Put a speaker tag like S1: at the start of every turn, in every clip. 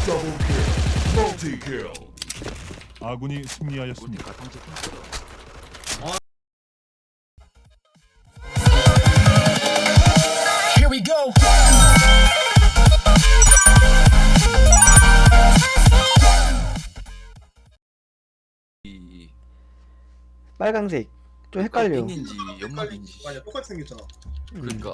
S1: 멀티킬.
S2: 아군이 승리하였습니다.
S3: Here we go.
S4: 이
S5: 빨강색 좀 헷갈려.
S4: 핀인지 연막인지.
S6: 맞아, 똑같이 생겼잖아.
S4: 그러니까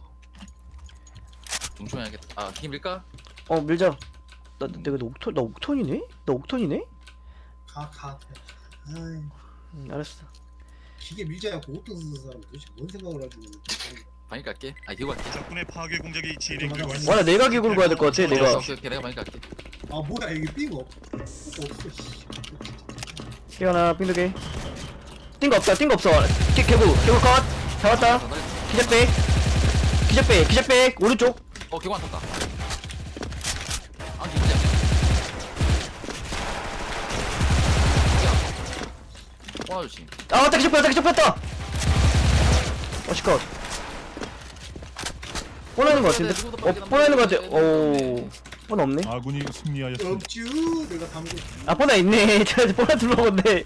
S4: 동충해야겠다. 아 힘일까?
S5: 밀자. 내가 나 옥톤이네? 나 옥톤이네?
S6: 가. 아이,
S5: 알았어.
S6: 기계 밀자야고 옷도 쓰는 사람 도대체 뭔 생각을 하고 있는
S4: 방일 갈게. 아 기고 갈게.
S2: 적군의 파괴 공작이 진행
S6: 맞아.
S5: 와, 나 내가 기구를 가야 될 것 같아. 내가.
S4: 오케이 내가 방일 갈게.
S6: 아 뭐야 이게 삥 없어 씨.
S5: 깨어나 빙두개. 띵거 없다. 띵거 없어. 개구 컷. 잡았다. 기적백 오른쪽.
S4: 기고 안 탔다. 아 진짜. 와 조심.
S5: 아, 맞다. 기적 뺐다. 시컷. 뻔하는 것 같은데? 뻔하는 것 같아. 뻔 없네.
S2: 아군이 승리하였습니다.
S6: 없쥬 내가 담고
S5: 아, 뻔하 있네. 제가 뻔하 둘러본데.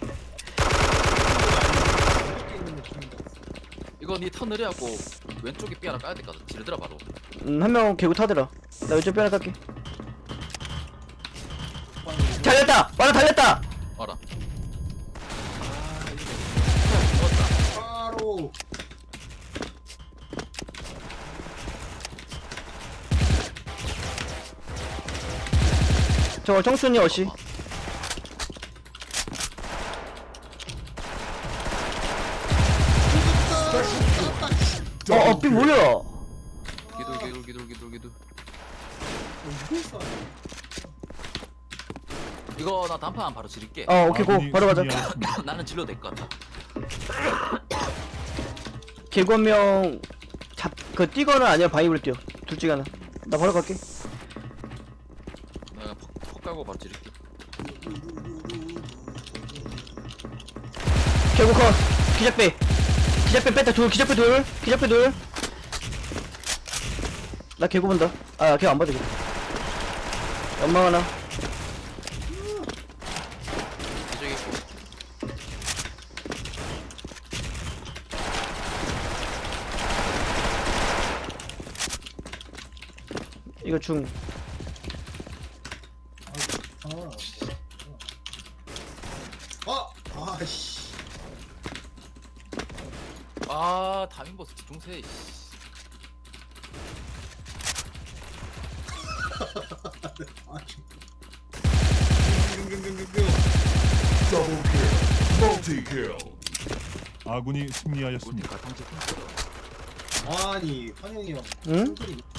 S6: 있는 느낌인데.
S4: 이거 니 턴 느려갖고 왼쪽에 삐 하나 까야 될까? 지르더라 바로.
S5: 한 명 개구 타더라. 나 왼쪽 뼈나 깎게. 달렸다. 달렸다.
S4: 알아.
S6: 바로
S5: 저 청순이 어시. 삐 뭐야?
S4: 기둘.
S6: 이거 있어.
S4: 이거 나 단판 바로 지를게.
S5: 오케이 고. 바로 가자.
S4: 나는 질러도 될 것 같아.
S5: 개구 한 명 뛰거나 아니면 바위로 뛰어. 둘 중에 하나. 나 바로 갈게.
S4: 내가 퍽 까고 바로 지를게.
S5: 개구 컷. 기적배 뺐다. 기적배 둘. 나 개구 본다. 개구 안 봐도 되겠다. 연막 하나.
S4: 이쪽에 있고.
S5: 이거 중.
S6: 아씨.
S4: 다민버스 중세.
S1: 멀티킬.
S2: 아군이 승리하였습니다.
S6: 아니 환영이 형.
S5: 응?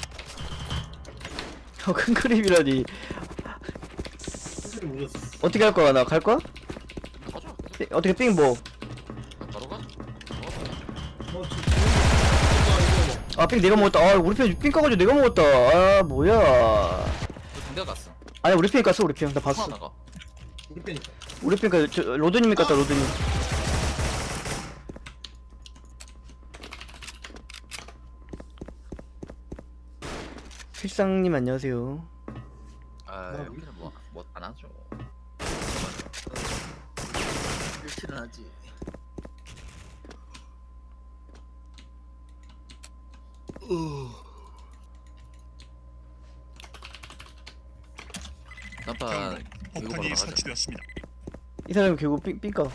S5: 큰 그림이라니.
S6: 소리 몰랐어.
S5: 어떻게 할 거야? 나 갈 거야?
S4: 가자.
S5: 어떻게 삥 뭐?
S4: 바로 가.
S5: 삥 내가 먹었다. 우리 삥 까가지고 내가 먹었다. 뭐야?
S4: 군대 갔어.
S5: 아니, 우리 삥 깠어. 우리 삥. 나 봤어.
S4: 하나가.
S6: 우리 빼니까.
S5: 우리 삥 로드님이 깠다. 로드님. 필상님 안녕하세요.
S4: 우리는 뭐안 하죠. 일치는 하지. 단판
S2: 폭탄이 설치되었습니다.
S5: 이 사람이 결국 삥 까.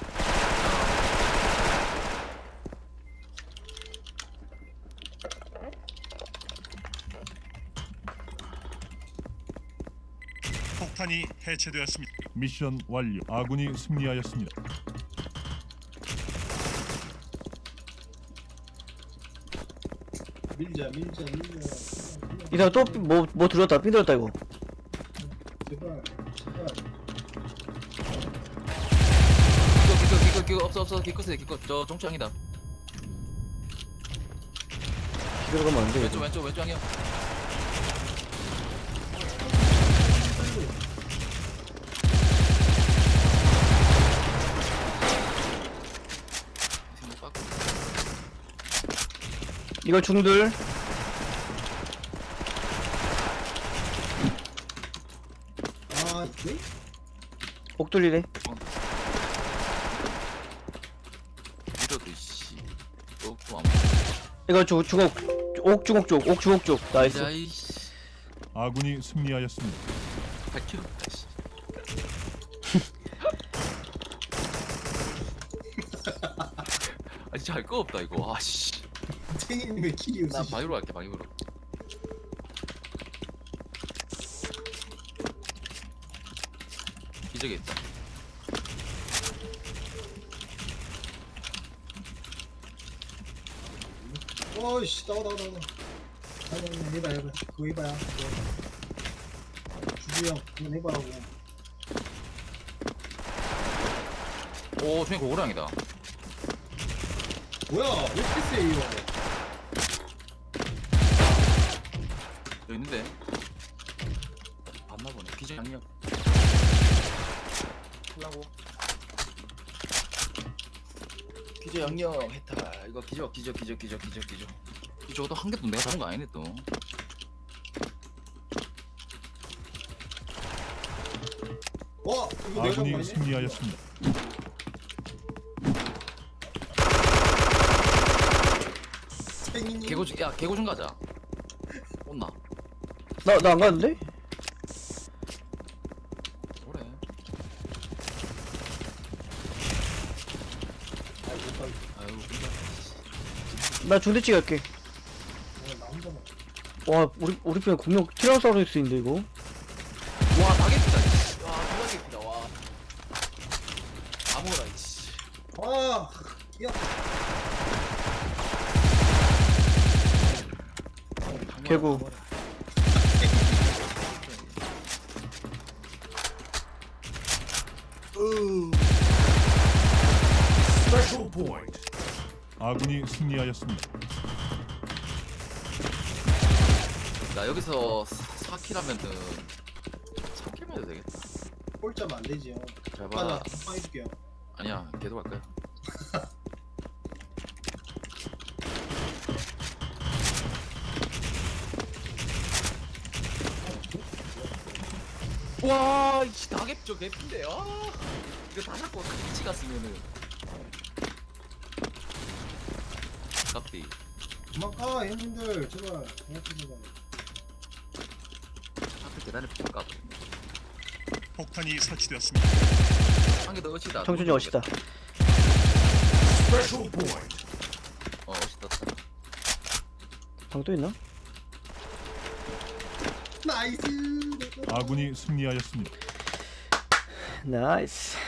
S2: 폭탄이 해체되었습니다. 미션 완료. 아군이 승리하였습니다.
S6: 밀자.
S5: 이 사람 또 뭐 들었다. 삥 들었다 이거.
S6: 제발.
S4: 기껏 없어 기껏 저 종창이다.
S5: 기대로 가면 안 돼.
S4: 왼쪽 향이야.
S5: 이거 중들.
S6: 아 이게?
S5: 옥 돌리래.
S4: 이러도 씨. 또안
S5: 이거 주걱 옥 주걱 쪽. 옥 주걱 쪽. 나이스.
S4: 야이씨.
S2: 아군이 승리하였습니다.
S4: 100kg. 씨. 아 진짜 할 거 없다 이거. 아씨.
S6: 탱이님의 킬이
S4: 난
S6: 없으시.
S4: 바위로 할게 바위로. 기적이 있다.
S6: 어이씨 나와. 아니 해봐. 그거 해봐야. 주주 형 그거 해봐라고.
S4: 오 중에 고고량이다.
S6: 뭐야 왜 이렇게 세요?
S4: 여기 있는데. 봤나 보네. 기적 양력. 하려고. 기적 양력 했다. 이거 기적. 저것도 한 개도 내가 잡은 거 아니네 또.
S6: 와 이거 내가 잡은 거
S2: 아군이
S6: 아니야?
S2: 승리하였습니다.
S6: 탱이님.
S4: 개고 좀 가자. 온나?
S5: 나 안 가는데?
S4: 그래. 아유 근데.
S5: 나 중대찌개 할게.
S6: 나 혼자만.
S5: 와 우리 편에 공룡 티라노사우루스인데 이거.
S4: 와 다개피다. 와 누가 개피다 와. 아무거나 이씨.
S6: 아 야.
S5: 개구.
S1: Special point.
S2: 아군이 승리하였습니다.
S4: 나 여기서 4킬 하면은 3킬만 해도 되겠다.
S6: 꼴짜면 안 되지 형.
S4: 잘
S6: 맞아.
S4: 봐.
S6: 한방 해줄게요.
S4: 아니야 계속 할 거야. 와, 이 다개표 개핀데. 아, 이거 다 잡고 같이 갔으면은. 깝디.
S6: 그만 가 형님들 제발. 제발.
S4: 하필 계단에 붙을까?
S2: 폭탄이 설치되었습니다.
S4: 한개 더 어치다.
S5: 청춘이 어시다.
S1: Special point.
S4: 어시다.
S5: 방 또 있나?
S6: 나이스.
S2: 아군이 승리하였습니다.
S5: 나이스.